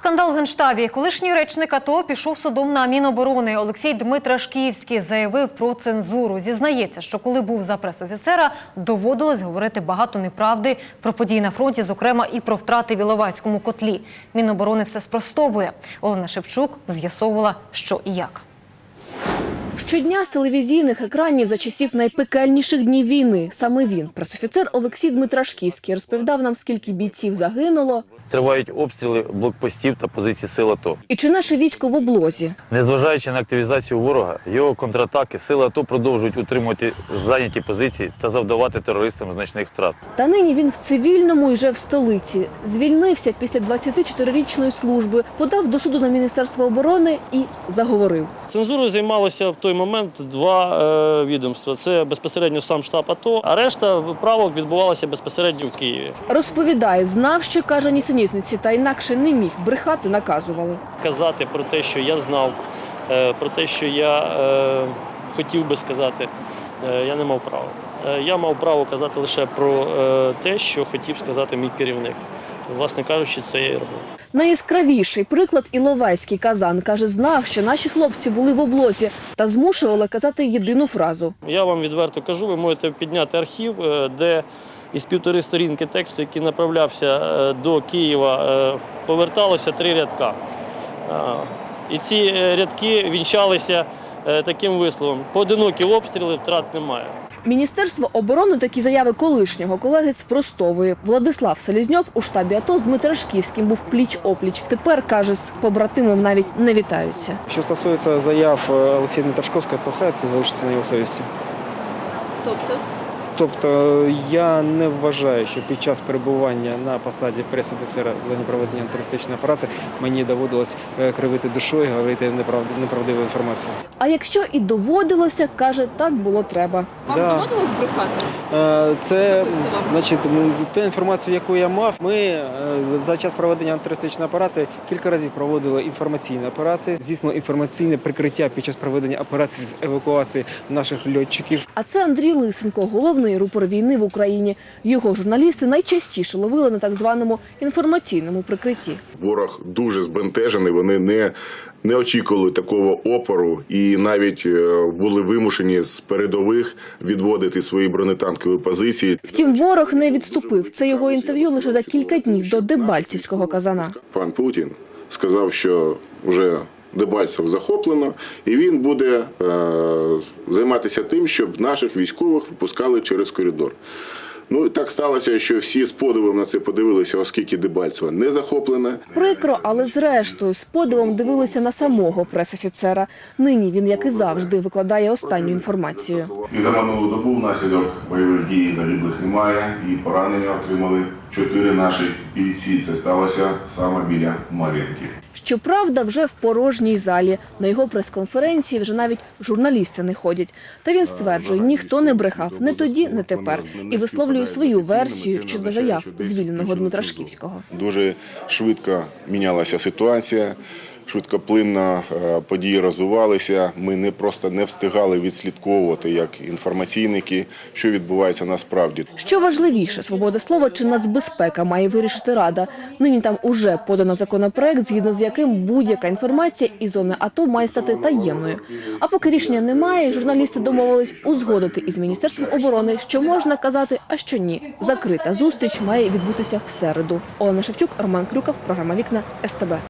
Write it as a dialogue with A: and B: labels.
A: Скандал в Генштабі. Колишній речник АТО пішов судом на Міноборони. Олексій Дмитрашківський заявив про цензуру. Зізнається, що коли був за пресофіцера, доводилось говорити багато неправди про події на фронті, зокрема і про втрати в Іловайському котлі. Міноборони все спростовує. Олена Шевчук з'ясовувала, що і як.
B: Щодня з телевізійних екранів за часів найпекельніших днів війни саме він, пресофіцер Олексій Дмитрашківський, розповідав нам, скільки бійців загинуло.
C: Тривають обстріли блокпостів та позицій сил АТО.
B: І чи наше військо в облозі.
C: Незважаючи на активізацію ворога, його контратаки, сили АТО продовжують утримувати зайняті позиції та завдавати терористам значних втрат.
B: Та нині він в цивільному і вже в столиці. Звільнився після 24-річної служби, подав до суду на Міністерство оборони і заговорив.
D: Цензурою займалося в той момент два відомства. Це безпосередньо сам штаб АТО, а решта правок відбувалася безпосередньо в Києві.
B: Розповідає, знав, що каже нісенітниці, та інакше не міг. Брехати наказували.
D: Казати про те, що я знав, про те, що я хотів би сказати, я не мав права. Я мав право казати лише про те, що хотів сказати мій керівник. Власне кажучи, це я і робив.
B: Найяскравіший приклад – Іловайський казан. Каже, знав, що наші хлопці були в облозі та змушували казати єдину фразу.
D: Я вам відверто кажу, ви можете підняти архів, де із 1,5 сторінки тексту, який направлявся до Києва, поверталося 3 рядка. І ці рядки вінчалися таким висловом: поодинокі обстріли, втрат немає.
B: Міністерство оборони такі заяви колишнього колеги спростовує. Владислав Селезньов у штабі АТО з Дмитрашківським був пліч-опліч. Тепер, каже, з побратимом навіть не вітаються.
E: Що стосується заяв Олексія Дмитрашківського, то хай це залишиться на його совісті. Тобто я не вважаю, що під час перебування на посаді прес-офіцера в зоні проведення антитерористичної операції мені доводилось кривити душою, говорити неправдиву інформацію.
B: А якщо і доводилося, каже, так було треба.
F: Вам доводилось брехати?
E: Це, значить, ту інформацію, яку я мав, ми за час проведення антитерористичної операції кілька разів проводили інформаційні операції, здійснили інформаційне прикриття під час проведення операції з евакуації наших льотчиків.
B: А це Андрій Лисенко, головний рупор війни в Україні. Його журналісти найчастіше ловили на так званому інформаційному прикритті.
G: Ворог дуже збентежений, вони не очікували такого опору і навіть були вимушені з передових відводити свої бронетанкові позиції.
B: Втім, ворог не відступив. Це його інтерв'ю лише за кілька днів до Дебальцівського казана.
G: Пан Путін сказав, що вже Дебальцев захоплено, і він буде займатися тим, щоб наших військових випускали через коридор. Ну, так сталося, що всі з подивом на це подивилися, оскільки Дебальцево не захоплене.
B: Прикро, але зрештою з подивом дивилися на самого прес-офіцера. Нині він, як і завжди, викладає останню інформацію.
G: І за минулу добу внаслідок бойових дій загиблих немає, і поранення отримали 4 наші бійці. Це сталося саме біля Мар'їнки.
B: Щоправда, вже в порожній залі. На його прес-конференції вже навіть журналісти не ходять. Та він стверджує, ніхто не брехав, не тоді, не тепер. І висловлює свою версію щодо заяв звільненого Дмитрашківського.
G: Дуже швидко мінялася ситуація, швидкоплинно події розвивалися. Ми не встигали відслідковувати, як інформаційники, що відбувається насправді.
B: Що важливіше, свобода слова чи нацбезпека має вирішити Рада. Нині там уже подано законопроект, згідно з яким будь-яка інформація із зони АТО має стати таємною. А поки рішення немає, журналісти домовились узгодити із Міністерством оборони, що можна казати, а що ні. Закрита зустріч має відбутися в середу. Олена Шевчук, Роман Крюков, програма «Вікна», СТБ.